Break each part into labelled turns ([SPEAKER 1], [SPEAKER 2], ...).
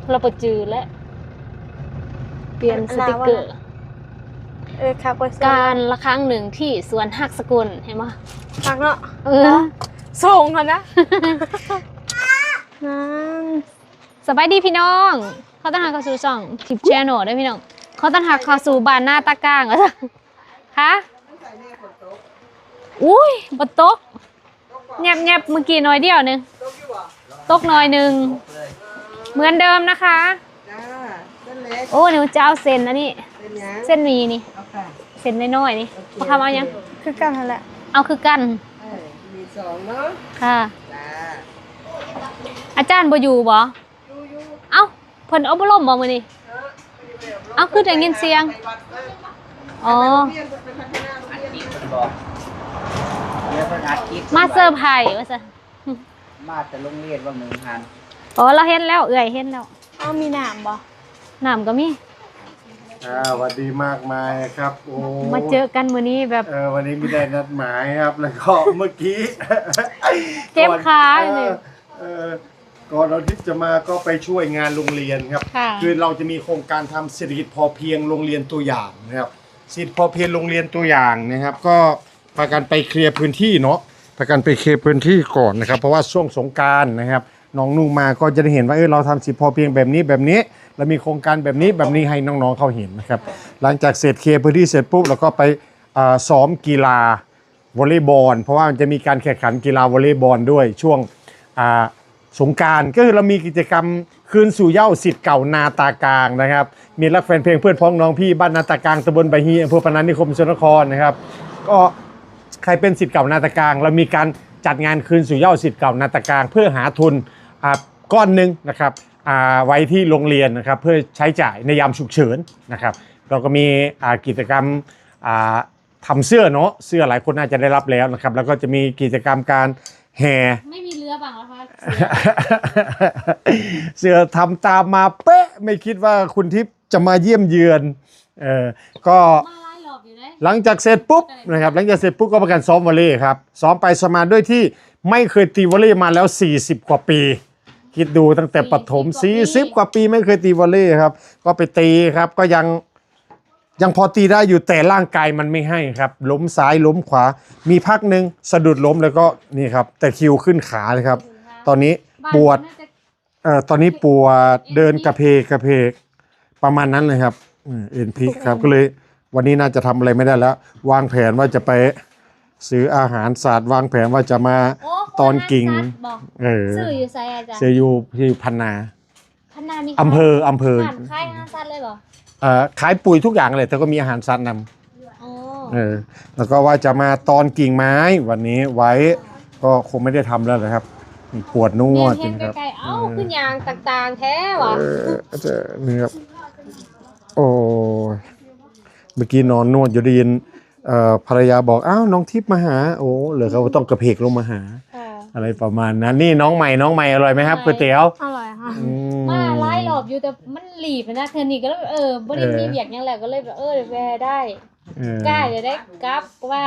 [SPEAKER 1] เราไปจือและเปลี่ยนสติกเกอร์
[SPEAKER 2] ครับ
[SPEAKER 1] การละครั้งหนึ่งที่สวนหักสกุลเห็นไหม
[SPEAKER 2] หักเนาะส่งก่อนนะ
[SPEAKER 1] สบายดีพี่น้องเขาต้อนรับเข้าสู่ช่องทิปแชนแนลด้วยพี่น้องเขาต้อนรับเข้าสู่บ้านหน้าตากลางเหรอคะอุ้ยบนโต๊ะแงบเมื่อกี้น้อยเดียวนึงตกน้อยนึงเหมือนเดิมนะคะโอ้หนูจะเอาเส้นอันนี้เส้นมีนี่เส้นน้อยๆนี่มาทำเอายัง
[SPEAKER 2] คือกันนั่นแหละ
[SPEAKER 1] เอาคือกัน
[SPEAKER 3] มีสองเนาะ
[SPEAKER 1] ค่ะอาจารย์บ่อยู่บ่เอ้าเพิ่นเอาบ่ล่มบ่มื้อนี้เอาคือได้ยินเสียงอ๋อมาเซอร์ไพรส์ว่าซะ
[SPEAKER 3] มาแต่โรงเรียนว่า1,000
[SPEAKER 1] อ๋อเราเห็นแล้วเอื้อยเห็นแล้ว
[SPEAKER 2] เอามีน้ำบ่
[SPEAKER 1] น้ำก็มี
[SPEAKER 4] สวัสดีมากมายครับโอ้
[SPEAKER 1] มาเจอกันมื้อนี้แบบ
[SPEAKER 4] วันนี้ไม่ได้นัดหมายครับแล้วก็เมื่อกี้
[SPEAKER 1] เจ็บขาเนี่ย
[SPEAKER 4] ก่อนเราที่จะมาก็ไปช่วยงานโรงเรียนครับคือเราจะมีโครงการทำเศรษฐกิจพอเพียงโรงเรียนตัวอย่างนะครับเศรษฐกิจพอเพียงโรงเรียนตัวอย่างนะครับก็พากันไปเคลียร์พื้นที่เนาะพากันไปเคลียร์พื้นที่ก่อนนะครับเพราะว่าช่วงสงกรานต์นะครับน้องนุ่งมาก็จะได้เห็นว่าเราทำเศรษฐกิจพอเพียงแบบนี้เรามีโครงการแบบนี้ให้น้องๆเขาเห็นนะครับหลังจากเสร็จเคลียร์พื้นที่เสร็จปุ๊บเราก็ไปซ้อมกีฬาวอลเลย์บอลเพราะว่ามันจะมีการแข่งขันกีฬาวอลเลย์บอลด้วยช่วงสงกรานต์ก็คือเรามีกิจกรรมคืนสู่เหย้าศิษย์เก่านาตากลางนะครับมีรักแฟนเพลงเพื่อนพ้องน้องพี่บ้านนาตากลางตำบลใบฮีอำเภอพนัสนิคมสกลนครนะครับก็ใครเป็นศิษย์เก่านาตากลางเรามีการจัดงานคืนสู่เหย้าศิษย์เก่านาตากลางเพื่อหาทุนก้อนหนึ่งนะครับไว้ที่โรงเรียนนะครับเพื่อใช้จ่ายในยามฉุกเฉินนะครับเราก็มีกิจกรรมทำเสื้อเนาะเสื้อหลายคนน่าจะได้รับแล้วนะครับแล้วก็จะมีกิจกรรมการแห่
[SPEAKER 1] ไม่มีเรือบังแล้วคะ
[SPEAKER 4] เสื้อทำตามมาเป๊ะไม่คิดว่าคุณทิพย์จะมาเยี่ยมเยือนก็หลังจากเสร็จปุ๊บนะครับหลังจากเสร็จปุ๊บก็ประกันซ้อมวอลเลย์ครับซ้อมไปสมาด้วยที่ไม่เคยตีวอลเลย์มาแล้ว40กว่าปีคิดดูตั้งแต่ประถม40กว่าปีไม่เคยตีวอลเลย์ครับก็ไปตีครับก็ยังพอตีได้อยู่แต่ร่างกายมันไม่ให้ครับล้มซ้ายล้มขวามีพักหนึ่งสะดุดล้มแล้วก็นี่ครับแต่คิวขึ้นขาเลยครับตอนนี้ปวดตอนนี้ปวดเดินกระเพกประมาณนั้นเลยครับเอ็นพีครับก็เลยวันนี้น่าจะทำอะไรไม่ได้แล้ววางแผนว่าจะไปซื้ออาหารสัตว์วางแผนว่าจะมาตอนกิ่ง
[SPEAKER 1] ซื้ออยู่ไซอาจารย์
[SPEAKER 4] ซื้ออยู่ที่พันนา
[SPEAKER 1] มี
[SPEAKER 4] อำเภอ
[SPEAKER 1] ขายอาหารสัตว์เลยเหรอ
[SPEAKER 4] ขายปุ๋ยทุกอย่างเลยแต่ก็มีอาหารสัตว์นำแล้วก็ว่าจะมาตอนกิ่งไม้วันนี้ไว้ก็คงไม่ได้ทำแล้วนะครับปวดนวดจริงครับ
[SPEAKER 1] เอ้าขึ้นยางต่างๆแท้วะ
[SPEAKER 4] นี่ครับโอ้เมื่อกี้นอนนวดอยู่ได้ยินภรรยาบอกอ้าวน้องทิพย์มาหาโอ้เหลือเขาต้องกระเพกลงมาหาอะไรประมาณนั้นนี่น้องใหม่อร่อยไหมครับก๋วยเตี๋ยว
[SPEAKER 2] อร่อยค่ะ
[SPEAKER 1] มาไล่หลบอยู่แต่มันหลีบนะเธอนี่ก็เลยบริมีเบียกยังแหละก็เลยแบบแวร์ได้กล้าจะได้กลับว่า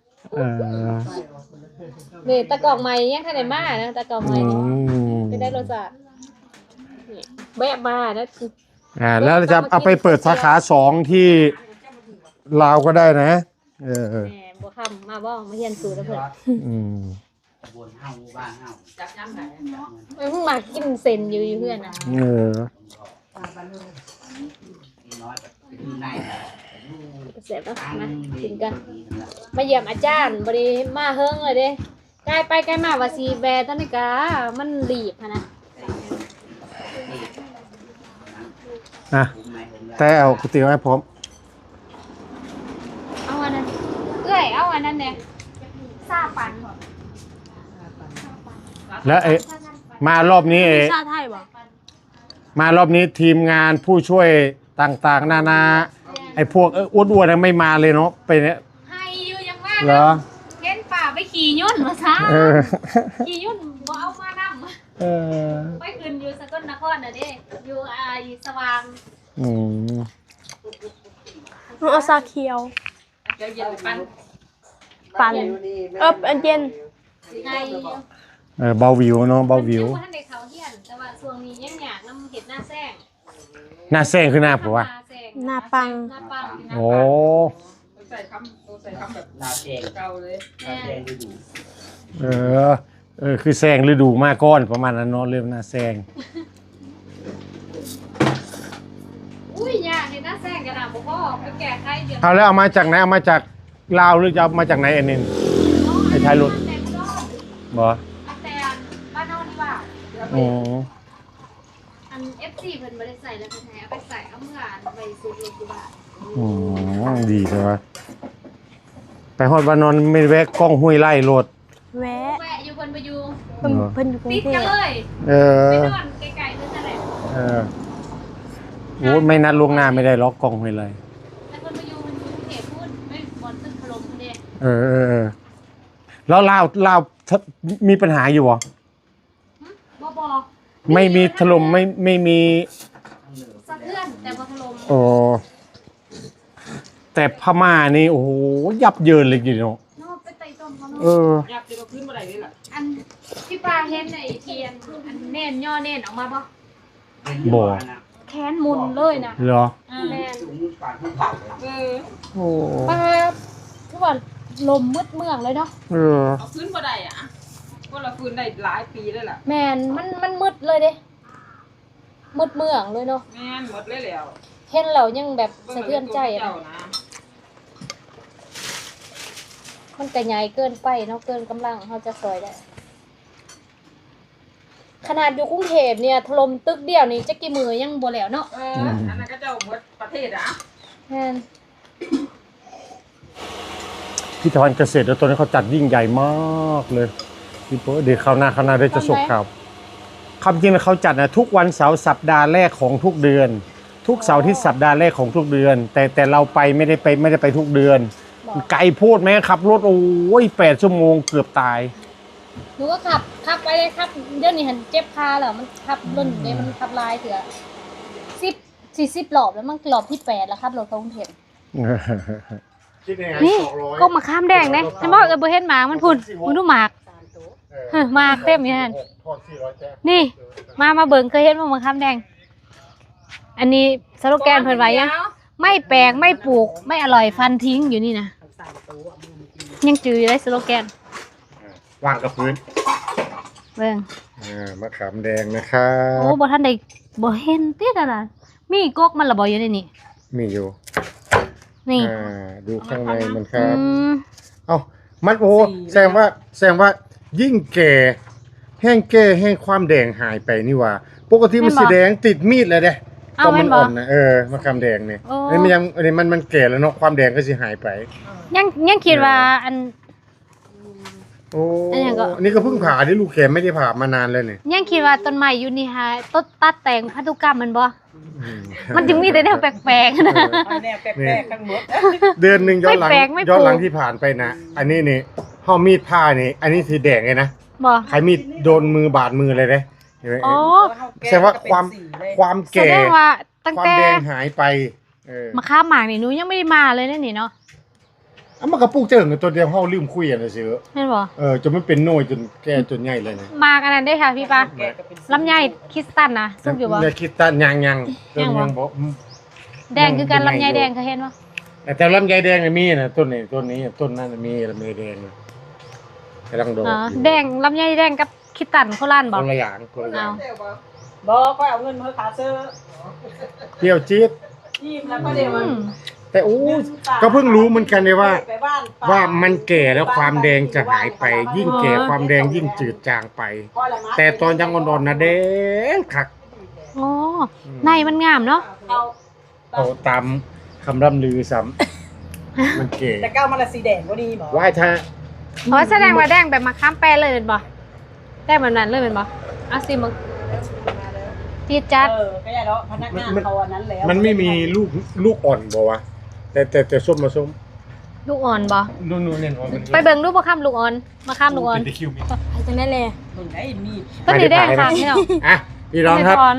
[SPEAKER 1] เนี่ยตะกอกใหม่ยังทันได้มานะตะกอกใหม่ไม่ได้รสชาติแวะมานะ
[SPEAKER 4] แล้วจะเอาไปเปิดสาขา2ที่ลาวก็ได้นะ
[SPEAKER 1] บัวคำมาบ่มาเรียนสูตรแล้วเพื่อน
[SPEAKER 3] บนเฮาบ้านเฮาจับย้ำไหน
[SPEAKER 1] เพิ่งมากินเซนอยู่เพื่อนนะเสร็จแล้วมากินกันมาเยี่ยมอาจารย์บริมาเฮิงเลยเด้ใกล้ไปใกล้มาว่าซีแบร์ตันนิกามันหลีบนะ
[SPEAKER 4] แต่เอาก๋วยเตี๋ยวให้พร้อม
[SPEAKER 1] เอาอันนั้นเอาอันนั้นเนี่ยซาปัน
[SPEAKER 4] แล้วมารอบนี้
[SPEAKER 2] ชาไทยบ่
[SPEAKER 4] มารอบนี้ทีมงานผู้ช่วยต่างๆนานาไอ้พวกอ้วนๆไม่มาเลยเนาะไปเนี่ย
[SPEAKER 1] ให้อยู่ยังว่า
[SPEAKER 4] เหรอ
[SPEAKER 1] เห็นป่าไปขี่ยุ่นมาซะขี่ยุ่นบ่เอามานั่งไปขึ้นอยู่สกลนครน่ะเด้อยู่สว่าง
[SPEAKER 2] เอาซาเขียว
[SPEAKER 1] เย็นปั่น
[SPEAKER 2] อันเย็น
[SPEAKER 4] เบาวิวเนาะเบาวิว
[SPEAKER 1] มันยังบ่ทันได้เขาเฮียนแต่ว่าช่วงนี้ยังอยากนำเฮ็ดหน้าแซง
[SPEAKER 4] หน้าแซงคือหน้าผัว
[SPEAKER 2] หน้าปัง
[SPEAKER 1] หน้าปัง
[SPEAKER 4] โอ้
[SPEAKER 5] ใส่คำแบบ
[SPEAKER 3] นาแจง
[SPEAKER 5] เก่าเลย
[SPEAKER 3] นาแจงดูดู
[SPEAKER 4] คือแซงฤดูมาก้อนประมาณนั้นเนาะเรื่องหน้าแซง
[SPEAKER 1] อุ้ยยากเฮ็ดหน้าแซงกระดาษบ่พอไปแก้ไขเดี๋ยว
[SPEAKER 4] เอาแล้วเอามาจากไหนเอามาจากลาวหรือจะเอามาจากไหนอันนี้ ไอ้ท้ายรถ บ่
[SPEAKER 1] อันแต่บ้านเฮานี่ว่า
[SPEAKER 4] อ๋อ
[SPEAKER 1] อัน FC เพิ่นบ่ได้ใส่แล้วเพิ่นให้เอาไปใส่เอาเมื่อไปซื้อรถอยู่บ้าน
[SPEAKER 4] ดีเลยวะไปฮอดวานอนไม่แวะกล้องห้วยไล่โลด
[SPEAKER 2] แวะ
[SPEAKER 1] แวะอยู่เพิ่นบ่อยู่
[SPEAKER 2] เพิ่นอยู่กรุง
[SPEAKER 1] ติด
[SPEAKER 2] เท
[SPEAKER 1] กัน
[SPEAKER 2] พ
[SPEAKER 1] เลย
[SPEAKER 4] เอ
[SPEAKER 1] ไป
[SPEAKER 4] อน
[SPEAKER 1] อนไกลๆนั่นแหละ
[SPEAKER 4] โอ้ไม่นัดล่วงหน้าไม่ได้ล็อกกล้องห้วยไล่
[SPEAKER 1] แต่เพิ่นบ่อยู่มันอยู่เขตพูดไม่บ่อนตึกถล่มพุ่นเด้
[SPEAKER 4] แล้วลาวมีปัญหาอยู่บ่
[SPEAKER 1] บ่
[SPEAKER 4] ไม่มีถล่มไม่มี
[SPEAKER 1] สะเทือนแต่บ่ถล่ม
[SPEAKER 4] โอ้แต่พม่านี่โอ้โหยับเยินเลยอยู่เนาะ
[SPEAKER 1] เนาะไปไต่ต้นเขาเนาะ
[SPEAKER 5] อยากจะมาขึ้นมาไหนนี่แหละ
[SPEAKER 1] อันที่ปลาเห็นในเทียนอันเน่นย่อเน่นออกมาบ่
[SPEAKER 4] บ่
[SPEAKER 1] แขนมุนเลยนะ
[SPEAKER 4] เหรอ
[SPEAKER 1] แม่น
[SPEAKER 3] สูงปากขึ้นเผาเลย
[SPEAKER 4] โอ้
[SPEAKER 1] ปลาคือว่าลมมืดเมืองเลยเนาะ
[SPEAKER 5] เอาขึ้นมาได้อะก็เราฟื้นได้หลายปีแล้วล่ะ
[SPEAKER 1] แม่นมันมืดเลยเด้มืดเมืองเลยเนาะ
[SPEAKER 5] แม่นหมดเลยแล้ว
[SPEAKER 1] เห็นแล้วยังแบบสะเทือนใจ
[SPEAKER 5] เจ้า
[SPEAKER 1] นะ
[SPEAKER 5] นะ
[SPEAKER 1] มันก็ใหญ่เกินไปเนาะเกินกำลังเขาจะซอยได้ ขนาดอยู่กรุงเทพเนี่ยถล่มตึกเดียวนี่จะกี่มือยังบ่แล้วเนาะ
[SPEAKER 5] อันนั้นก็เจ้าหมดประเทศอ่ะ
[SPEAKER 1] แม่น
[SPEAKER 4] พิธภัณฑ์เกษตรแล้วตัวนี้เขาจัดยิ่งใหญ่มากเลยพี่โป๊เดี๋ยวคราวหน้าได้จะส่งข่าวคำจริงแล้วเขาจัดนะทุกวันเสาร์สัปดาห์แรกของทุกเดือน ทุกเสาร์ที่สัปดาห์แรกของทุกเดือน แต่เราไปไม่ได้ไปทุกเดือน ไกลโพูดไหมขับรถโอ้ย8 ชั่วโมงเกือบตาย
[SPEAKER 1] หนูก็ขับไปเลยครับเดี๋ยวนี้หันเจ็บขาแล้วมันขับรุ่นเนี่ยมันขับลายเถื่อ40 รอบแล้วมันรอบที่8แล้วครับรถกรุงเทพนี่ก็มาข้ามแดงนะฉันบอกบ่เห็นหมากมันพุ่นมันดูหมากหมากเต็มอยู่นั่นนี่มาเบิ่งเคยเห็นบ่มาข้ามแดง อันนี้สโลแกนเพิ่นไว้ยังไม่แปลกไม่ปลูกไม่อร่อยฟันทิ้งอยู่นี่นะยังจืออยู่ได้สโลแกน
[SPEAKER 4] วางกับพื้น
[SPEAKER 1] เบิ่ง
[SPEAKER 4] มะขามแดงนะครับ
[SPEAKER 1] โอ้บ่ทันได้บ่เห็นติดน่ะมีกกมันละบ่อยู่ในนี่
[SPEAKER 4] มีอยู่
[SPEAKER 1] นี่
[SPEAKER 4] ดูข้างในมันครับ
[SPEAKER 1] อืม
[SPEAKER 4] เอ้ามันโอ้แสดงว่ายิ่งแก่แห้งแก่แห้งความแดงหายไปนี่ว่า ปกติมันสีแดงติดมีดเลยเด้
[SPEAKER 1] เอา
[SPEAKER 4] มั
[SPEAKER 1] แม่น
[SPEAKER 4] อ่
[SPEAKER 1] บ่
[SPEAKER 4] อนนะมะขามแดงเนี่ย
[SPEAKER 1] โอ้
[SPEAKER 4] อันนี้มันแก่แล้วเนาะความแดงก็สิหายไป
[SPEAKER 1] ยังคิดว่าอัน
[SPEAKER 4] โอ้
[SPEAKER 1] อันนี้ก็
[SPEAKER 4] อันนี้ก็เพิ่งผ่าที่ลูกแขมไม่ได้ผ่ามานานเลยเนี่ย
[SPEAKER 1] ยังคิดว่าต้นไม้อยู่นี่ฮะต้นตัดแต่งพันธุกรรมมันบ่มันจึงมีแต่แนวแปลกๆนะ
[SPEAKER 5] แนวแปลกๆทั้งหมด
[SPEAKER 4] เดือนหนึ่งย้อนหลัง
[SPEAKER 1] ไม่แปลกไม่
[SPEAKER 4] ย้อนหลัง
[SPEAKER 1] ปลูก
[SPEAKER 4] ที่ผ่านไปนะอันนี้นี่ห่อมีดผ้านี่อันนี้สีแดงเลยนะ
[SPEAKER 1] บ่
[SPEAKER 4] ใครมีดโดนมือบาดมือเลยเด้เห็นไหม
[SPEAKER 1] อ๋อ
[SPEAKER 4] แสดงว่าความ
[SPEAKER 1] แส
[SPEAKER 4] แก่
[SPEAKER 1] ดงว่าตั้ง
[SPEAKER 4] ความ
[SPEAKER 1] แต่
[SPEAKER 4] แดงหายไป
[SPEAKER 1] มาข้ามหมากนี่หนูยังไม่ได้มาเลยนั่นนี่เนาะ
[SPEAKER 4] มันกระปุกเจิงตัวเดียวเฮาลืมคุยกันเลยซื้อ
[SPEAKER 1] แม่นบ่
[SPEAKER 4] จนมันเป็นโน่ยจนแก่จนใหญ่เลยนะ
[SPEAKER 1] มากอันนั้นได้ค่ะพี่ปาลำไยคริสตัลนะสุกอยู่บ่
[SPEAKER 4] ในคิดตันยัง
[SPEAKER 1] ยังบ่
[SPEAKER 4] บ่
[SPEAKER 1] แดงคือกันลำไยแดงเคยเห็นบ่
[SPEAKER 4] แต่ลำไยแดงมีนะต้นนี้ต้นนั้นมีลำไยแดงกำลังโดด
[SPEAKER 1] อ๋อแดงลำไยแดงกับคริสตัลโคราชบ่
[SPEAKER 4] คนละอย่างคนละอย่าง
[SPEAKER 5] บอกก็เอาเงินมาขาเซอร์
[SPEAKER 4] เปรี้ยวจี๊ด
[SPEAKER 5] ยิ้มแล้วก็เดี๋ยว
[SPEAKER 1] อืม
[SPEAKER 4] แต่ก็เพิ่งรู้เหมือนกันเลยว่ามันแก่แล้วความแดงจะหายไป ยิ่งแก่ความแดงยิ่งจืดจางไป แต่ตอนยังอ่อนๆนะแดงคัก
[SPEAKER 1] โอ้ในมันงามเนาะ
[SPEAKER 4] เอาตามคำร่ำลือซ้ำมันแก่
[SPEAKER 5] แต่ก้าวมันละสีแดงก็ดีหมอ
[SPEAKER 4] ว่าถ้า
[SPEAKER 1] อ๋อแสดงว่าแดงแบบมาข้ามแปรเลยเป็นบ่แดงแบบนั้นเลยเป็นบ่เอาสิมึงจี๊ดจัด
[SPEAKER 5] ก็อย่าเนาะพนักงานเขาอันนั้นแล้ว
[SPEAKER 4] มันไม่มีลูกอ่อนบ่วะแต่ส้มมาส้ม
[SPEAKER 1] ลูกอ่อนบ่
[SPEAKER 4] นู่นเนี่ยมัน
[SPEAKER 1] ไปเบิ่งรูปมาข้ามลูกอ่อนมาข้ามลูกอ่อน
[SPEAKER 4] เป็นตะคิวมี
[SPEAKER 2] ไปจังได้เลย
[SPEAKER 5] มึงไอ้มีด
[SPEAKER 1] ต้นนี้แดงค่ะพี่น้อง
[SPEAKER 4] อ่ะพี่น้องครับ
[SPEAKER 1] ต้นนี้ก่อน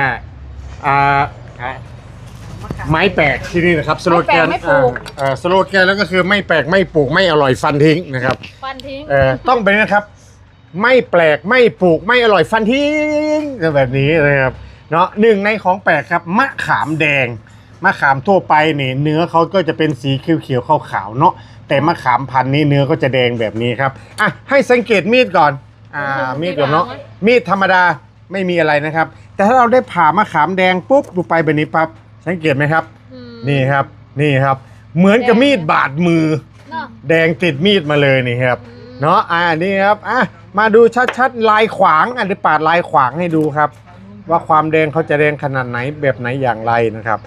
[SPEAKER 4] ไม้แปลกที่นี่นะครับสโลแกน
[SPEAKER 1] ไม่แปลกไม่ปลูก
[SPEAKER 4] สโลแกนแล้วก็คือไม่แปลกไม่ปลูกไม่อร่อยฟันทิ้งนะครับ
[SPEAKER 1] ฟันทิ้ง
[SPEAKER 4] ต้องไปนะครับไม่แปลกไม่ปลูกไม่อร่อยฟันทิ้งแบบนี้นะครับเนาะหนึ่งในของแปลกครับมะขามแดงมะขามทั่วไปเนี่ยเนื้อเขาก็จะเป็นสีเขียวๆขาวๆเนาะแต่มะขามพันธุ์นี้เนื้อก็จะแดงแบบนี้ครับอ่ะให้สังเกตมีดก่อนมีดก่อนเนาะมีดธรรมดาไม่มีอะไรนะครับแต่ถ้าเราได้ผ่ามะขามแดงปุ๊บดูไปแบบนี้ปั๊บสังเกตไหมครับนี่ครับนี่ครับเหมือนกับมีดบาดมือแดงติดมีดมาเลยนี่ครับเนาะนี่ครับมาดูชัดๆลายขวางเดี๋ยวปาดลายขวางให้ดูครับว่าความแดงเขาจะแดงขนาดไหนแบบไหนอย่างไรนะครับ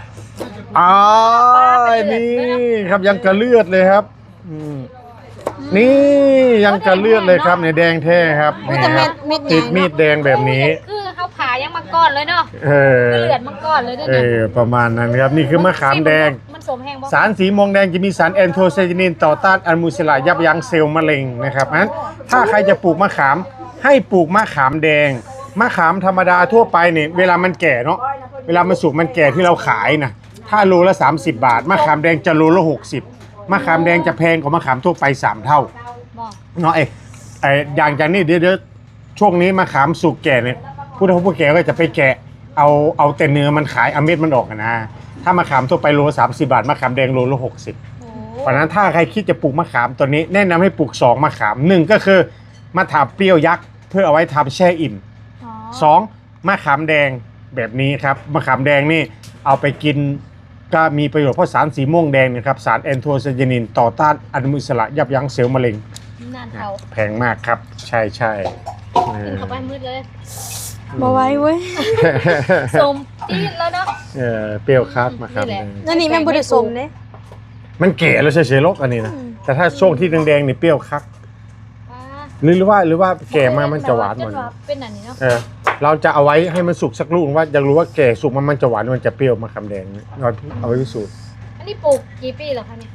[SPEAKER 4] นี่ครับยังกระเลือดเลยครับนี่ยังกระเลือดเลยครับเนี่ยแดงแท้ครับนี่ครับติดมีดแดงแบบนี้
[SPEAKER 1] คือเขาผ่ายังมังกรเลยเนาะเลือดมังกรเลยเนี่ย
[SPEAKER 4] ประมาณนั้นครับนี่คือมะขามแดงสารสีม่วงแดงจะมีสารแอนโทไซยานินต่อต้านอนุมูลอิสระยับยั้งเซลล์มะเร็งนะครับนั้นถ้าใครจะปลูกมะขามให้ปลูกมะขามแดงมะขามธรรมดาทั่วไปเนี่ยเวลามันแก่เนาะเวลามันสุกมันแก่ที่เราขายนะถ้าโลละ30 บาทมะขามแดงจะโลละ60มะขามแดงจะแพงกว่ามะขามทั่วไป3 เท่าเนาะอย่างจากนี้เดี๋ยวช่วงนี้มะขามสุกแก่เนี่ยผู้เฒ่าผู้แก่ก็จะไปแกะเอาแต่เนื้อมันขายเอาเม็ดมันออกนะถ้ามะขามทั่วไปโลละ30 บาทมะขามแดงโลละ60เพราะนั้นถ้าใครคิดจะปลูกมะขามตัวนี้แนะนำให้ปลูก2มะขาม1ก็คือมะขามเปรี้ยวยักษ์เพื่อเอาไว้ทำแช่อิ่ม2มะขามแดงแบบนี้ครับมะขามแดงนี่เอาไปกินก็มีประโยชน์เพราะสารสีม่วงแดงนะครับสารแอนโทไซยานินต่อต้านอนุมูลอิสระยับยั้งเซลล์มะเร็งแพงมากครับใช่
[SPEAKER 1] กินเข้าไปมืดเลย
[SPEAKER 2] มาไว้เว้ย
[SPEAKER 1] สมจีดแล้วเนาะ
[SPEAKER 4] เปรี้ยวครับมาครับ
[SPEAKER 2] นั่นนี่มันบริสมเนี่ย
[SPEAKER 4] มันแก่แล้วเฉยๆลกอันนี้นะแต่ถ้าช่วงที่แดงๆนี่เปรี้ยวคักหรือว่าแก่มามันจะหวานหมด
[SPEAKER 1] เป็นอันนี้เนาะ
[SPEAKER 4] เราจะเอาไว้ให้มันสุกสักลูกว่าอยากรู้ว่าแก่สุกมันจะหวานมันจะเปรี้ยวมะขามแดงเราเอาไว้พิสูจน์
[SPEAKER 1] อันนี้ปลูกกี่ปีแล้วคะเนี่ย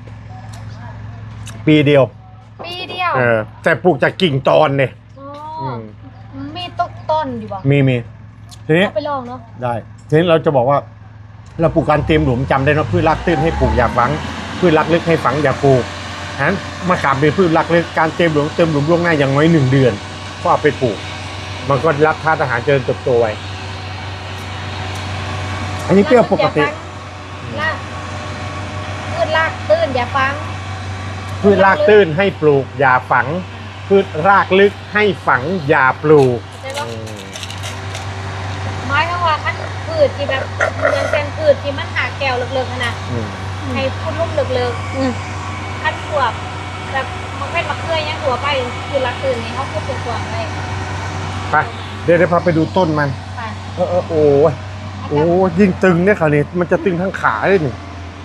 [SPEAKER 4] ปีเดียวแต่ปลูกจากกิ่งตอนเนี่ย
[SPEAKER 1] มีต้นอยู่บ่
[SPEAKER 4] มีทีนี้
[SPEAKER 1] ไปลองเนาะ
[SPEAKER 4] ได้ทีนี้เราจะบอกว่าเราปลูกการเตรียมหลุมจำได้เนาะพืชรากตื้นให้ปลูกอย่าฝังพืชรากลึกให้ฝังอย่าปลูกนั้นมะขามเป็นพืชรากลึกการเตรียมหลุมล่วงหน้าอย่างน้อย1 เดือนก็เอาไปปลูกมันก็รับธาตุอาหารเจริญเติบโตไว้อันนี้เปรี้ยวปกติ
[SPEAKER 1] พืชรากตื้นอย่าฝัง
[SPEAKER 4] พืชรากตื้นให้ปลูกอย่าฝังพืชรากลึกให้ฝังอย่าปลูก
[SPEAKER 1] ไม้ทั้งว่าขั้นพืชที่แบบยังเป็นพืชที่มันหาแก้วเลิกๆนะให้พูดลุ่มเลิกๆขั้นขวบแบบมันเป็นมะเขือยังหัวไปคือรากตื้นนี่เขาพูดเป็นขวบเลย
[SPEAKER 4] ไปเดี๋ยวพาไปดูต้นมันโอ้ยิ่งตึงเนี่ยคราวนี้มันจะตึงทั้งขาเลยนี่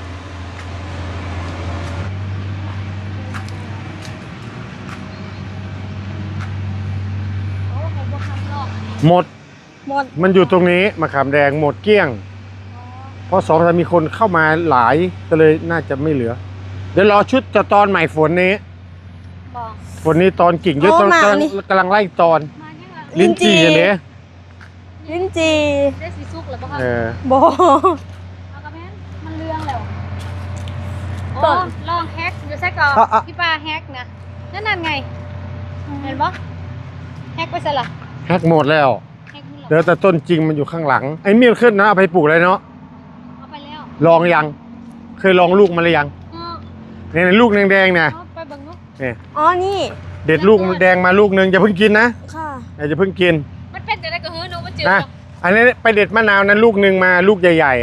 [SPEAKER 4] หมดมันอยู่ตรงนี้มะขามแดงหมดเกลี้ยงเพราะ2 มีคนเข้ามาหลายก็เลยน่าจะไม่เหลือเดี๋ยวรอชุดจะตอนใหม่ฝนนี้ตอนกิ่งเยอะตอนกำลังไล่ตอนลิ้นจี่อย่างนี้
[SPEAKER 2] ลิ้นจี่
[SPEAKER 1] ได้สีสุกหรือเปล่า
[SPEAKER 2] บ่
[SPEAKER 1] เอากระแพนมันเรื่องแล้วลองแฮกอยู่ใช่ก่อนพี่ป้าแฮกนะนั่นไงเห็นปะแฮกไปซะละ
[SPEAKER 4] แฮกหมดแล้วเดี๋ยวแต่ต้นจริงมันอยู่ข้างหลังไอ้เมี่ยขึ้นนะเอาไปปลูกเลยเนาะ
[SPEAKER 1] เอาไปแล้ว
[SPEAKER 4] ลองยังเคยลองลูกมันหรือยังเนี่ยลูกแดงๆเนี่ย
[SPEAKER 1] ไปบังนุ๊ก
[SPEAKER 2] นี่
[SPEAKER 4] เด็ดลูกแดงมาลูกนึงอย่าเพิ่งกินนะ
[SPEAKER 2] ค่ะ
[SPEAKER 4] อย่าเพิ่งกิน
[SPEAKER 1] มันเป็นอะไรก็เฮ้ยหนูมันจืด
[SPEAKER 4] อันนี้ไปเด็ดมะนาวนั้นลูกนึงมาลูกใหญ่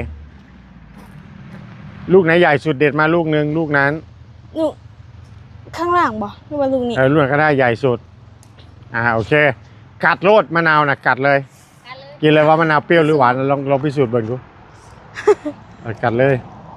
[SPEAKER 4] ๆลูกไหนใหญ่สุดเด็ดมาลูกนึงลูกนั้น
[SPEAKER 2] ลูกข้างหลังบ่หรือว่าลูกนี้
[SPEAKER 4] ลูกก็ได้ใหญ่สุดโอเคกัดโลดมะนาวนะกัดเลยกินเลยว่ามะนาวเปรี้ยวหรือหวานลองพิสูจน์เบิ่งดูกัดเลย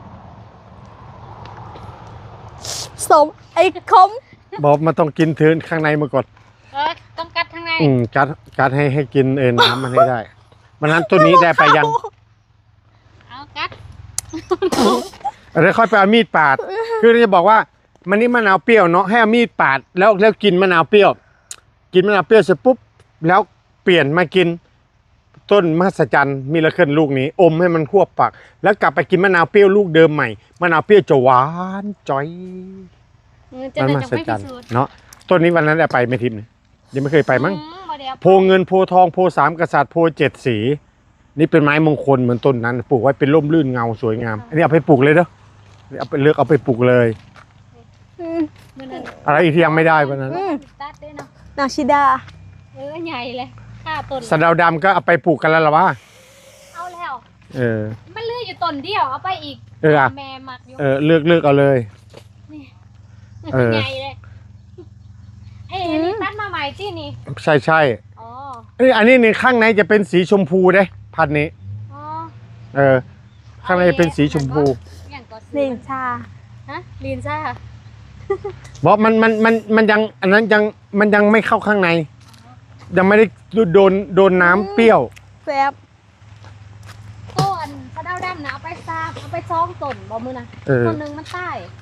[SPEAKER 2] สมไอ้คม
[SPEAKER 4] บอกมันต้องกินเทินข้างในมาก่อน
[SPEAKER 1] ต้องกัดข้างใน
[SPEAKER 4] กัดให้กินน้ำมันให้ได้มันนั้นตัวนี้ได้ไปยัง
[SPEAKER 1] เอากัด
[SPEAKER 4] แล้วค่อยไปเอามีดปาดคือจะบอกว่ามันนี่มะนาวเปรี้ยวเนาะให้เอามีดปาดแล้วกินมะนาวเปรี้ยวเสร็จปุ๊บแล้วเปลี่ยนมากินต้นมหัศจรรย์มิราเคิลลูกนี้อมให้มันควบปากแล้วกลับไปกินมะนาวเปรี้ยวลูกเดิมใหม่มะนาวเปรี้ยวจะหวานจ้อย
[SPEAKER 1] มันมหัศจรรย์
[SPEAKER 4] เนาะต้นนี้วันนั้นได้ไปไม่ทิมเลยยังไม่เคยไปมั้ง
[SPEAKER 1] บ่ได้เอา
[SPEAKER 4] โพเงินโพทองโพสามกษัตริย์โพเจ็ดสี นี่เป็นไม้มงคลเหมือนต้นนั้นปลูกไว้เป็นร่มรื่นเงาสวยงามอันนี้เอาไปปลูกเลยเด้อเอาไปเลือกเอาไปปลูกเลย
[SPEAKER 1] มื้อนั้น
[SPEAKER 4] อะไรอีกที่ยังไม่ได้วันนั้น
[SPEAKER 1] ตัดด้วยเนาะ
[SPEAKER 2] นางชิดา
[SPEAKER 1] ใหญ่เลยค่าต้น
[SPEAKER 4] สะเดาดำก็เอาไปปลูกกันแล้วหรอวะ
[SPEAKER 1] เอาแล้วมันเหลืออยู่ต้นเดียวเอาไปอีก
[SPEAKER 4] อะ
[SPEAKER 1] แม่มักอยู่
[SPEAKER 4] เลือกเอาเลย เออ
[SPEAKER 1] ใหญ่เลยอันนี้ตัดมาใหม่ที่นี่
[SPEAKER 4] ใช่
[SPEAKER 1] อ๋อ
[SPEAKER 4] อันนี้ในข้างในจะเป็นสีชมพูเด้พันธุ์นี้
[SPEAKER 1] อ๋อ
[SPEAKER 4] ข้างในเป็นสีชมพู
[SPEAKER 1] อย่างก็
[SPEAKER 2] เล่นชา
[SPEAKER 1] ฮะลีนซ่า
[SPEAKER 4] บอกมันยังอันนั้นยังมันยังไม่เข้าข้างใน ยังไม่ได้โดนน้ำเปรี้ยว
[SPEAKER 2] แซ่บ
[SPEAKER 1] ต้นกระเด้าดำนะเอาไปซากเอาไปซ้องต้นบ่มือนะ
[SPEAKER 4] เออ
[SPEAKER 1] ต้นหนึงมันใต้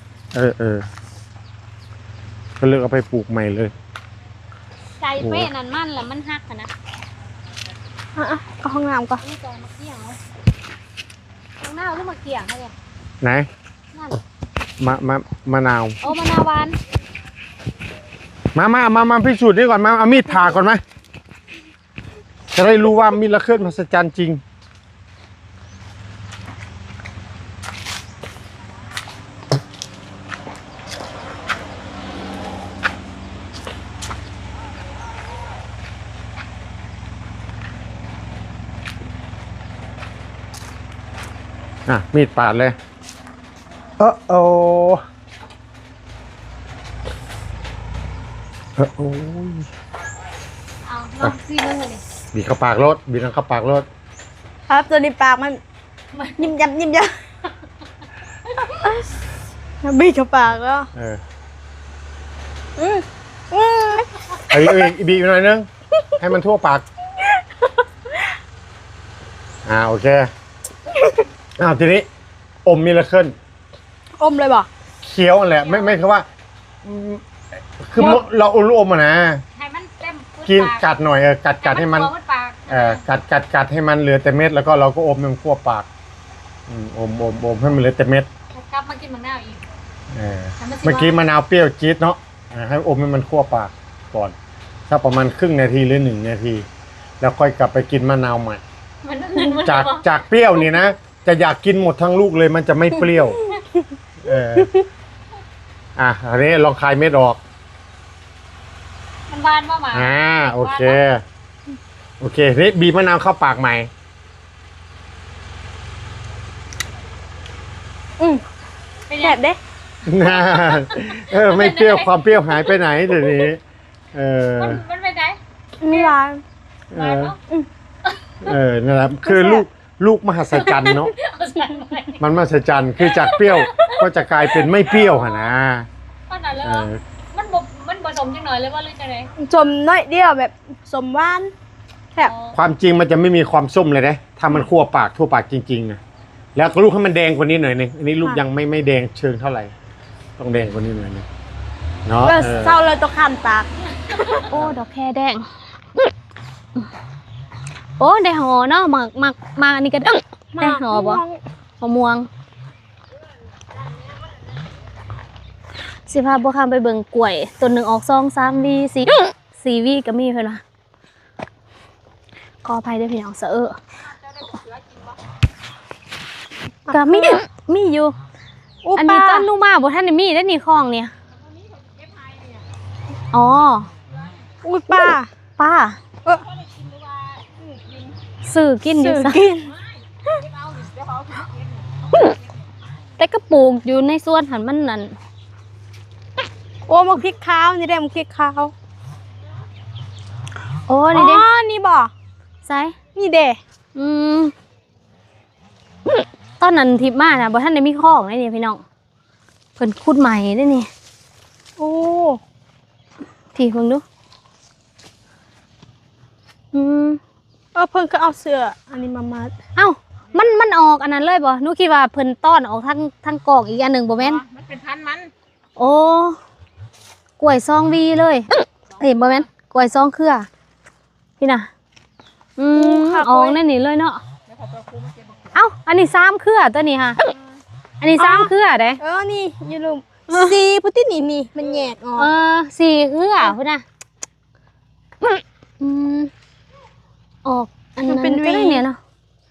[SPEAKER 4] ก็เลือกเอาไปปลูกใหม่เลย
[SPEAKER 1] ใจเป้นั่นมันแหละมันหักอะนะ
[SPEAKER 2] อ่ะก็ห้องน้ำก่อน
[SPEAKER 1] นี่จอยมาเกี่ยงเอาตรงหน้าเอาขึ้นมาเกี่ยงให้เลย
[SPEAKER 4] ไหน
[SPEAKER 1] นั่น
[SPEAKER 4] มะนาว
[SPEAKER 1] โอ้มะนาวหวาน
[SPEAKER 4] มาพิสูจน์นี่ก่อนมาเอามีดผ่าก่อนไหมจะได้รู้ว่ามีดละเคลื่อนมหัศจรรย์จริงมีดปาดเลยโอ้ย
[SPEAKER 1] เอาลองซีนึงเลย
[SPEAKER 4] บีบเข้าปากรถบีบเข้าปากรถ
[SPEAKER 2] ครับตัวนี้ปากมันยิ้มยับยิ้มยับบีบเข้าปากแล้วอืม
[SPEAKER 4] บีบหน่อยนึง ให้มันทั่วปากโอเคทีนี้อมมิลาเคิล
[SPEAKER 2] อมเลยบ่
[SPEAKER 4] เคี้ยวนั่นแหละไม่คือว่าคือเราอมลูกอมอะนะ
[SPEAKER 1] ให้มันเต็ม
[SPEAKER 4] กินกัดหน่อยกัดให้มันกัดให้มันเหลือแต่เม็ดแล้วก็เราก็อมมันทั่วปากอมให้มันเหลือแต่เม็ด
[SPEAKER 1] กลับมากินมะนาวอีก
[SPEAKER 4] เมื่อกี้มะนาวเปรี้ยวจี๊ดเนาะให้อมให้มันทั่วปากก่อนถ้าประมาณครึ่งนาทีหรือ1 นาที แล้วค่อยกลับไปกินมะนาวใหม่จากเปรี้ยวนี่นะจะอยากกินหมดทั้งลูกเลยมันจะไม่เปรี้ยวอันนี้ลองคายเม็ดออก
[SPEAKER 1] มันหวานมาก
[SPEAKER 4] โอเคนี่บีบมะนาวเข้าปากใหม่
[SPEAKER 1] เป็น
[SPEAKER 2] แซ่บเด้
[SPEAKER 4] ไม่เปรี้ยวความเปรี้ยวหายไปไหนเดี๋ยวนี้
[SPEAKER 1] มันเป็นไง
[SPEAKER 2] มีร้าน
[SPEAKER 1] หวานเนาะ
[SPEAKER 4] นะครับคือลูกมหัศจรรย์เนาะมันมหัศจรรย์คือจากเปรี้ยวก็จะกลายเป็นไม่เปรี้ยวนะ
[SPEAKER 1] ขนาดเลยมันผสมจังหน่อยเลยว่าหรือจะไหน
[SPEAKER 2] สมน้อยเดียวแบบสมหวานแซ่บ
[SPEAKER 4] ความจริงมันจะไม่มีความส้มเลยนะถ้ามันคั่วปากทั่วปากจริงๆนะแล้วก็ลูกให้มันแดงกว่านี้หน่อยนึงอันนี้ลูกยังไม่แดงเชิงเท่าไหร่ต้องแดงกว่านี้หน่อยนึงเนาะ
[SPEAKER 2] เศร้าเลยต้องคันปาก
[SPEAKER 1] โอ้ดอกแคแดงโอ้ได้หอเนาะมาอันนี้ก็ได้หอบ่มะม่วงสิพาบัวคำไปเบิ่งกล้วยต้นหนึ่งออก2-3 วี4 วีก็มีเพิ่นว่าขออภัยด้วยพี่น้องก็มีอยู่อันนี้ต้นนูมาบ่ทันได้มีได้นี่คลองเนี่ยอ๋อ
[SPEAKER 2] อุ้ยป้า
[SPEAKER 1] สื่อกินอยู่
[SPEAKER 2] กิน
[SPEAKER 1] แต่ก็ปลูกอยู่ในสวนหันมันนั่น
[SPEAKER 2] โอ้มะพริกขาวนี่ได้มะพริกขาว
[SPEAKER 1] โอ้นี่เด้
[SPEAKER 2] นี่บ่
[SPEAKER 1] ใส่
[SPEAKER 2] นี่เด้
[SPEAKER 1] ตอนนั้นทิพมานะบ่ท่านได้มีข้องได้นี่พี่น้องเพิ่นขุดใหม่ได้นี่
[SPEAKER 2] โอ้
[SPEAKER 1] พี่เพิ่งดู
[SPEAKER 2] เพิ่นก็เอาเสื้ออันนี้มามัด
[SPEAKER 1] เอ้ามันออกอันนั้นเลยบ่หนูคิดว่าเพิ่นต้อนออกทั้งกอกอีกอันหนึงบ่แม่น
[SPEAKER 5] มันเป็นพันมัน
[SPEAKER 1] โอ้กล้วย2 วีเลยบ่แม่นกล้วย2 เครือพี่น่ะออกในนี่เลยเนาะเอ้าอันนี้3 เครือตัวนี้ค่ะอันนี้3 เครือเด้
[SPEAKER 2] นี่อยู่ลุมสีพุทธินี่มันแยกออก
[SPEAKER 1] 4 เครือพุ่นน่ะออกอัน
[SPEAKER 2] มั
[SPEAKER 1] นั้น น
[SPEAKER 2] เป็น
[SPEAKER 1] ก็
[SPEAKER 2] วี
[SPEAKER 1] ได้เนี่ยเนาะ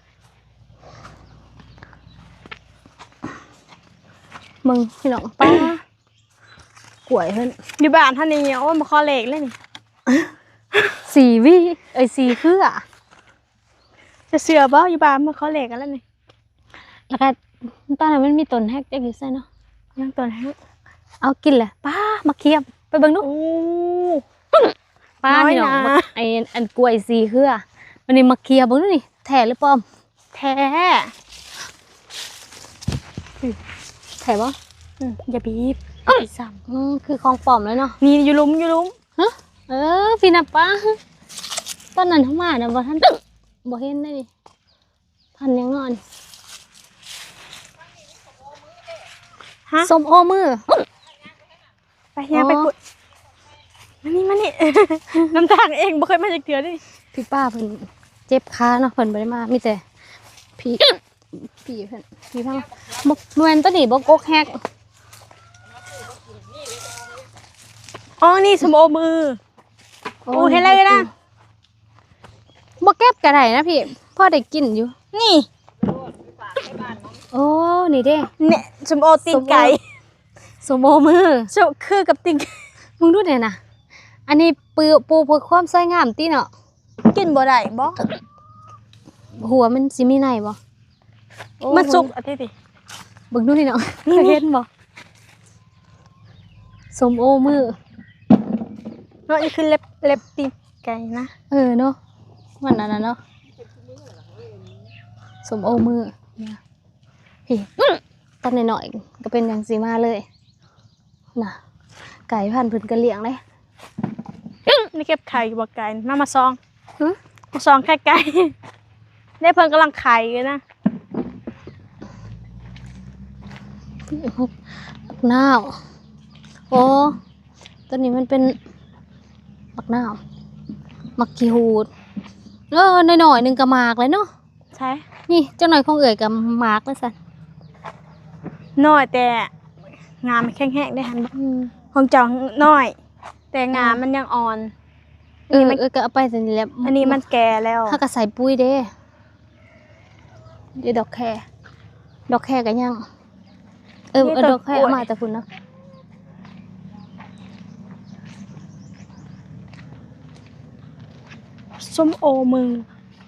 [SPEAKER 1] มึงพี่น้องป้ากล้วยเพิ่น
[SPEAKER 2] อยู่บ้านท่านนี้โอ้ยมาคอเหล็กเลยนี่
[SPEAKER 1] 4 วิ4เครือ
[SPEAKER 2] จะเสือบ่อยู่บ้านมาคอเหล็กกันแล้วนี่
[SPEAKER 1] แล้วก็ตอนนั้นมันมีต้นแฮกจักอยู่ไสเนาะ
[SPEAKER 2] ยังตัวไหน
[SPEAKER 1] เอากินแหละป้ามาเคียบไปเบิ่งดู
[SPEAKER 2] โอ้
[SPEAKER 1] ป้า
[SPEAKER 2] น้อย
[SPEAKER 1] พี่น้อง
[SPEAKER 2] นะ
[SPEAKER 1] ไอ้อันกล้วย4เครือวันนี้มาเคียบเบิ่งดูนี่แท้หรือปลอม
[SPEAKER 2] แท้
[SPEAKER 1] แท้บ่
[SPEAKER 2] อย่าบีบซ้
[SPEAKER 1] คือของปลอมแล้วเนาะ
[SPEAKER 2] ำนี่อยู่หลุมอยู่หลุม
[SPEAKER 1] พี่น่ะป้าตอนนั้นเฮามาน่ะบ่ทันบ่เห็นได้ดิทันยังนอน
[SPEAKER 2] ฮะ
[SPEAKER 1] ส้มโอมือ
[SPEAKER 2] ไปยังไปกุดมานี่ น้ำตาลเองบ่เคยมาจากเถื่อดิ
[SPEAKER 1] พี่ป้าเพิ่นเจ็บขาเนาะเพิ่นบ่ได้มามีแต่พี่พี่เพิ่นพี่พังบ่แม่นตัวนี้บ่กกแฮก
[SPEAKER 2] อ๋อนี่สมโอมือโอ้เห็นอะไรนะ
[SPEAKER 1] บ่เก็บก็ได้นะพี่พอได้กินอยู่
[SPEAKER 2] นี่
[SPEAKER 1] โอ้นี่เด้
[SPEAKER 2] เนี่ยสมโอตีนไก่
[SPEAKER 1] ส้มโอมือ
[SPEAKER 2] สมคือกับตีนไก่
[SPEAKER 1] มึงดูเนี่ยนะอันนี้ปูเพื่อความสวยงามติเนาะ
[SPEAKER 2] กินบ่ได้บ่
[SPEAKER 1] หัวมันสิมีในบ่โอ้
[SPEAKER 2] มันสุกอาทิตย์ดิ
[SPEAKER 1] เบิ่งดูนี่เนาะเห็นบ่ส้มโอมือ
[SPEAKER 2] เนาะนี่คือเล็บตีนไก่นะ
[SPEAKER 1] เนาะมันอันนั้นเนาะส้มโอมือเนี่ยพี่ตอนหน่อยๆก็เป็นอย่างสีมาเลยน่ะไก่พันธุ์เพิ่นก็เลี้ยงเลย
[SPEAKER 2] นี่เก็บไข่บ่ไก่มาซอง
[SPEAKER 1] หึ
[SPEAKER 2] มาซองไข่ไก่ได้เพิ่นกำลังไข่อยู่นะ
[SPEAKER 1] บักนาวโอ้ตัวนี้มันเป็นบักนาวมักขี้หูดหน่อยๆหนึงก็หมากเลยเนาะ
[SPEAKER 2] ใช่
[SPEAKER 1] นี่เจ้าหน่อยของเอ๋ยกับหมากเลยสัน
[SPEAKER 2] น้อยแต่งามมันแข็งๆได้หันบ่ของเจ้าน้อย แต่งามมันยังอ่อน
[SPEAKER 1] ก็เอาไปสันนี่แหละ
[SPEAKER 2] อันนี้มันแก่แล้ว
[SPEAKER 1] ถ้าก็ใส่ปุ๋ยเด้เดี๋ยวดอกแคก็ยังดอกแคเอามาแต่คุณเนาะ
[SPEAKER 2] ส้มโอมือ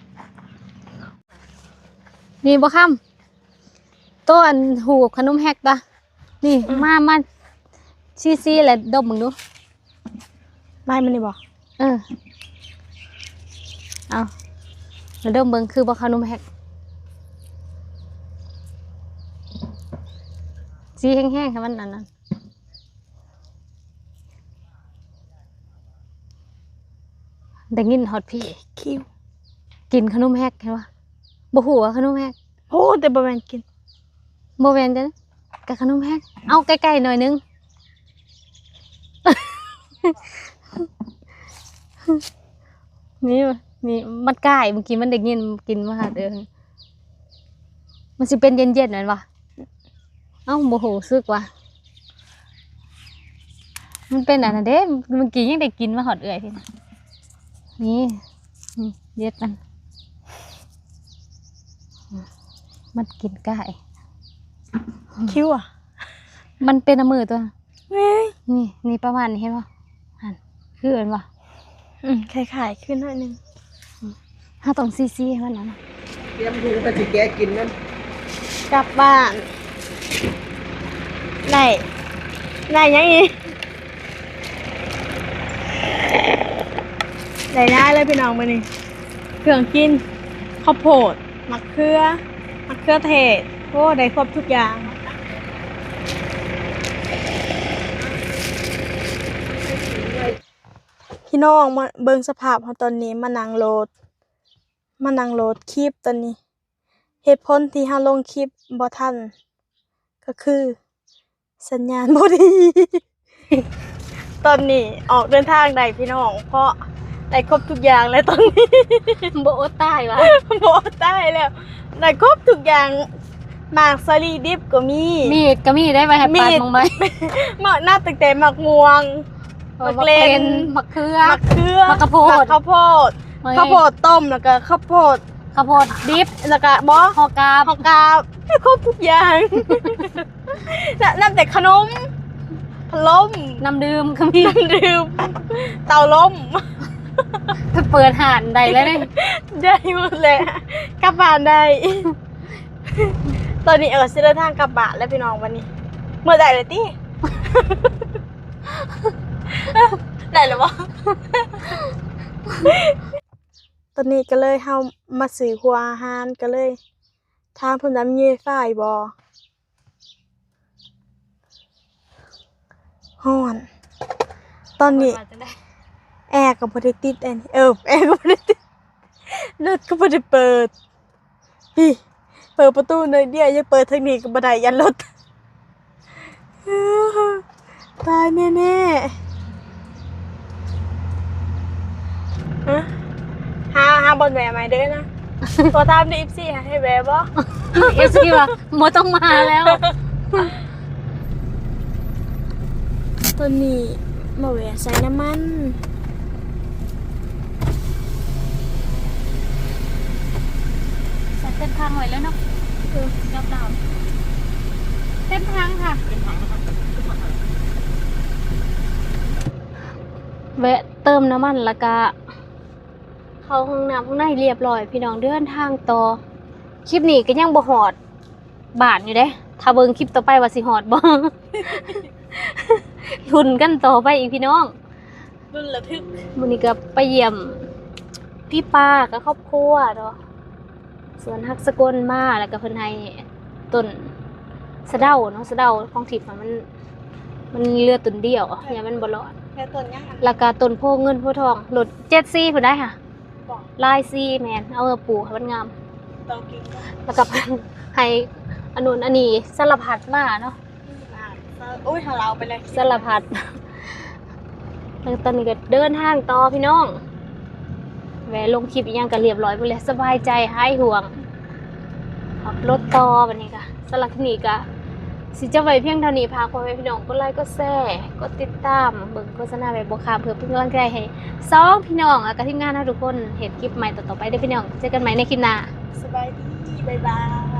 [SPEAKER 1] นี่บ่ค่ำตัวอันหูกับขนมแฮกตะนี่มาซีแหละดมมึงดู
[SPEAKER 2] ไม่มันนี่บ่
[SPEAKER 1] เอาแล้วดมเบิ่งคือบ่ขนมแฮกสีแห้งๆค่ะมันอันนั้นได้ยินฮอดพี่
[SPEAKER 2] คิว
[SPEAKER 1] กินขนมแฮกเห็นปะบ่ฮู้ว่าขนมแฮก
[SPEAKER 2] โอ้แต่บ่แม่นกิน
[SPEAKER 1] บ่แม่นจ้ะกับขนมแฮกเอาใกล้ๆหน่อยนึง นี่มันใกล้เมื่อกี้มันได้ยินกินมาหาเด้อมันสิเป็นเย็นๆนั่นวะเอ้าบ่ฮู้สึกว่ามันเป็นอันนั้นเด้เมื่อกี้ยังได้กินมาหอดเอื้อยพี่นะนี่เย็ดมันมันกินไก่
[SPEAKER 2] คิวอ่ะ
[SPEAKER 1] มันเป็นน้ำมือตัว
[SPEAKER 2] เว้ย
[SPEAKER 1] นี่ประมาณนี้เห็นป่ะหันคือเห็นป่ะ
[SPEAKER 2] คล้ายๆขึ้นหน่อยนึง
[SPEAKER 1] ถ้าต้องซีให้มันนะ
[SPEAKER 3] เตรียมถุงไปสิแกกินนั่น
[SPEAKER 2] กลับบ้านได้ยังอีได้เลยพี่น้องมื้อนี้เครื่องกินข้าวโพดมะเขือเทศโอ้ได้ครบทุกอย่างพี่น้องมาเบิ่งสภาพเฮาตอนนี้มานั่งโหลดคลิปตอนนี้เหตุผลที่เฮาลงคลิปบ่ทันก็คือสัญญาณบ่ดี ตอนนี้ออกเดินทางได้พี่น้องเพราะได้ครบทุกอย่างแล้วตอนนี้
[SPEAKER 1] โบอตายวะ
[SPEAKER 2] บ่ได้แล้วได้ครบทุกอย่างหมากสลีดิบก็มี
[SPEAKER 1] มีดก็มีได้ไปให้ปาดมองไหม
[SPEAKER 2] หมากหน้าตั้งแต่หมากม่วง หมักเลน
[SPEAKER 1] หมักเขือ
[SPEAKER 2] หมักเขือ
[SPEAKER 1] หมักข้าวโพด
[SPEAKER 2] หมักข้าวโพดข้าวโพดต้มแล้วก็ข้าวโพด
[SPEAKER 1] ข้าวโพดดิบ
[SPEAKER 2] แล้วก็บอ
[SPEAKER 1] ฮอกาบ
[SPEAKER 2] ข้าวกาบครบทุกอย่าง น้ำแต่ขนมพัดลม
[SPEAKER 1] น้ำดื่มก็มี
[SPEAKER 2] น้ำดื่มเตาลม
[SPEAKER 1] เปิดห่านใดแล้วเนี่ย
[SPEAKER 2] ได้หมดเลยกลับบ้านได้ ตอนนี้สิเดินทางกลับบ้านแล้วพี่น้องวันนี้ เมื่อไหร่เลยตี้ ได้หรือวะ ตอนนี้ก็เลยเฮามาซื้อหัวอาหารก็เลยทางเพิ่นน้ำเย่ฝ่ายบ่ฮ้อน ตอนนี้แอร์ก็บ่ได้ติดอันนี้แอร์ก็บ่ได้ติดรถก็บ่ได้เปิดพี่เปิดประตูหน่อยเดียวอย่าเปิดทางนี้ก็บ่ได้ยันรถ ตายแน่ๆฮะหาบนแหวไหมเด้อนะ ตัวตามใน14ให้แหวบ่
[SPEAKER 1] เอฟซีว่าโมต้องมาแล้ว
[SPEAKER 2] ตัวนี้มาแหวใส่น้ำมัน
[SPEAKER 1] เต็มทางไว้แล้วเนาะยอมเราเต็มทางค่ะแวะเติมน้ำมันแล้วก็เข้าห้องน้ำข้างในเรียบร้อยพี่น้องเดินทางต่อคลิปนี้ก็ยังบ่หอดบาทอยู่เด้ถ้าเบิ่งคลิปต่อไปว่าสิหอดบ่ ลุ้นกันต่อไปอีกพี่น้อง
[SPEAKER 2] รุ่นระทึก
[SPEAKER 1] มื้อนี้ก็ไปเยี่ยมพี่ป้ากับครอบครัวเนาะสวนฮักสกลมาแล้วก็เพิ่นให้ต้นสะเดาเนาะสะเดาของทิพย์มันเหลือต้นเดียวอย่ามันบ่รอด
[SPEAKER 2] แค่ต้นยังอัน
[SPEAKER 1] แล้วก็ต้นโพเงินโพทองรถ74เพิ่นได้ค่ะ
[SPEAKER 2] บอก
[SPEAKER 1] ลายซีแม่นเอามาปลูกให้มันงาม
[SPEAKER 2] ต้องกินก็
[SPEAKER 1] แล้วก็เพิ่นให้อันนู้นอันนี้สารพัดมาเนาะ
[SPEAKER 2] โอ้ยของเราไปเลย
[SPEAKER 1] สารพัดแล้วตอนนี้ก็เดินทางต่อพี่น้องแวะลงคลิปอีกอย่างก็เรียบร้อยไปเลยสบายใจหายห่วงขับรถต่อบัดนี้ก็สำหรับคลิปนี้ก็สิจะไว้เพียงเท่านี้พาพ่อแม่พี่น้องกดไลค์กดแชร์กดติดตามเบิ่งโฆษณาแบบบ่ข้ามเพื่อเป็นกำลังใจให้สองพี่น้องแล้วก็ทีมงานทุกคนเห็นคลิปใหม่ต่อๆไปเด้อพี่น้องเจอกันใหม่ในคลิปหน้า
[SPEAKER 2] สบายดี บ๊ายบาย